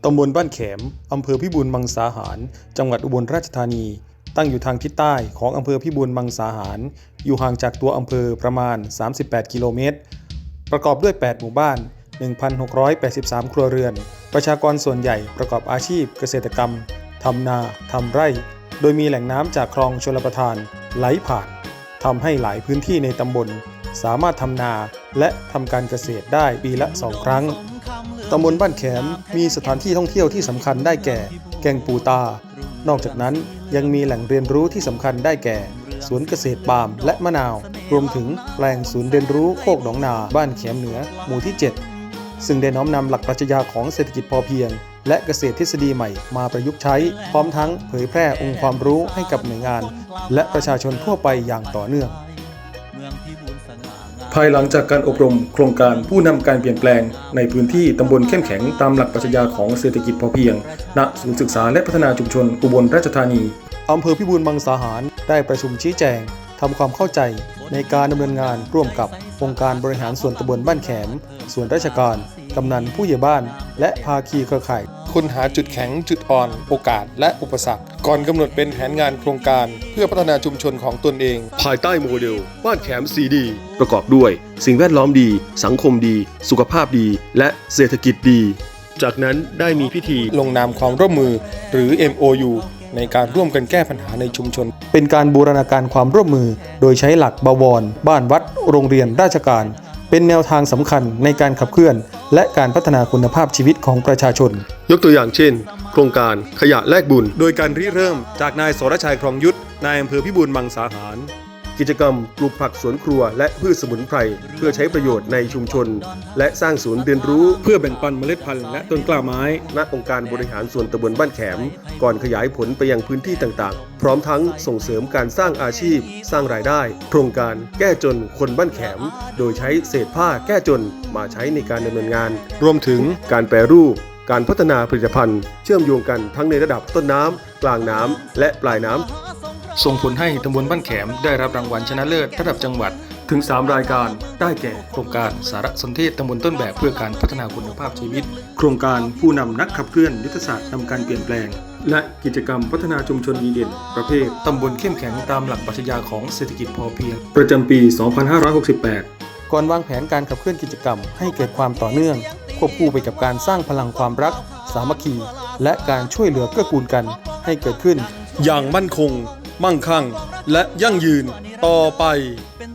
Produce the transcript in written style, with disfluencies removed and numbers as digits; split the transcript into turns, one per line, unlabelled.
ตำบลบ้านแขมอำเภอพิบูลมังสาหารจังหวัดอุบลราชธานีตั้งอยู่ทางทิศใต้ของอำเภอพิบูลมังสาหารอยู่ห่างจากตัวอำเภอประมาณ38กิโลเมตรประกอบด้วย8หมู่บ้าน 1,683 ครัวเรือนประชากรส่วนใหญ่ประกอบอาชีพเกษตรกรรมทำนาทำไร่โดยมีแหล่งน้ำจากคลองชลประทานไหลผ่านทำให้หลายพื้นที่ในตำบลสามารถทำนาและทำการเกษตรได้ปีละ2 ครั้งตำบลบ้านแขมมีสถานที่ท่องเที่ยวที่สำคัญได้แก่แก่งปูตานอกจากนั้นยังมีแหล่งเรียนรู้ที่สำคัญได้แก่สวนเกษตรปาล์มและมะนาวรวมถึงแปลงศูนย์เรียนรู้โคกหนองนาบ้านแขมเหนือหมู่ที่ 7ซึ่งได้น้อมนำหลักปรัชญาของเศรษฐกิจพอเพียงและเกษตรทฤษฎีใหม่มาประยุกต์ใช้พร้อมทั้งเผยแพร่องค์ความรู้ให้กับหน่วยงานและประชาชนทั่วไปอย่างต่อเนื่องภายหลังจากการอบรมโครงการผู้นำการเปลี่ยนแปลงในพื้นที่ตำบลเข้มแข็งตามหลักปรัชญาของเศรษฐกิจพอเพียงณศูนย์ศึกษาและพัฒนาชุมชนอุบลราชธานีอำเภอพิบูลมังสาหารได้ประชุมชี้แจงทำความเข้าใจในการดำเนินงานร่วมกับองค์การบริหารส่วนตำบลบ้านแขมส่วนราชการกำนันผู้ใหญ่บ้านและภาคีเครือข่ายค้นหาจุดแข็งจุดอ่อนโอกาสและอุปสรรคก่อนกำหนดเป็นแผนงานโครงการเพื่อพัฒนาชุมชนของตนเองภายใต้โมเดลบ้านแขม 4D ประกอบด้วยสิ่งแวดล้อมดีสังคมดีสุขภาพดีและเศรษฐกิจดีจากนั้นได้มีพิธีลงนามความร่วมมือหรือ MOU ในการร่วมกันแก้ปัญหาในชุมชนเป็นการบูรณาการความร่วมมือโดยใช้หลักบวรบ้านวัดโรงเรียนราชการเป็นแนวทางสำคัญในการขับเคลื่อนและการพัฒนาคุณภาพชีวิตของประชาชนยกตัวอย่างเช่นโครงการขยะแลกบุญโดยการริเริ่มจากนายสรชัยครองยุทธนายอำเภอพิบูลมังสาหารกิจกรรมปลูกผักสวนครัวและพืชสมุนไพรเพื่อใช้ประโยชน์ในชุมชนและสร้างศูนย์เรียนรู้เพื่อแบ่งปันเมล็ดพันธุ์และต้นกล้าไม้ณองค์การบริหารส่วนตำบลบ้านแขมก่อนขยายผลไปยังพื้นที่ต่างๆพร้อมทั้งส่งเสริมการสร้างอาชีพสร้างรายได้โครงการแก้จนคนบ้านแขมโดยใช้เศษผ้าแก้จนมาใช้ในการดำเนินงานรวมถึงการแปรรูปการพัฒนาผลิตภัณฑ์เชื่อมโยงกันทั้งในระดับต้นน้ำกลางน้ำและปลายน้ำส่งผลให้ตำบลบ้านแขมได้รับรางวัลชนะเลิศระดับจังหวัดถึง3 รายการได้แก่โครงการสารสนเทศตำบลต้นแบบเพื่อการพัฒนาคุณภาพชีวิตโครงการผู้นำนักขับเคลื่อนยุทธศาสตร์นำการเปลี่ยนแปลงและกิจกรรมพัฒนาชุมชนดีเด่นประเภทตำบลเข้มแข็งตามหลักปรัชญาของเศรษฐกิจพอเพียงประจำปี 2568 ก่อนวางแผนการขับเคลื่อนกิจกรรมให้เกิดความต่อเนื่องควบคู่ไปกับการสร้างพลังความรักสามัคคีและการช่วยเหลือเกื้อกูลกันให้เกิดขึ้นอย่างมั่นคงมั่งคั่งและยั่งยืนต่อไป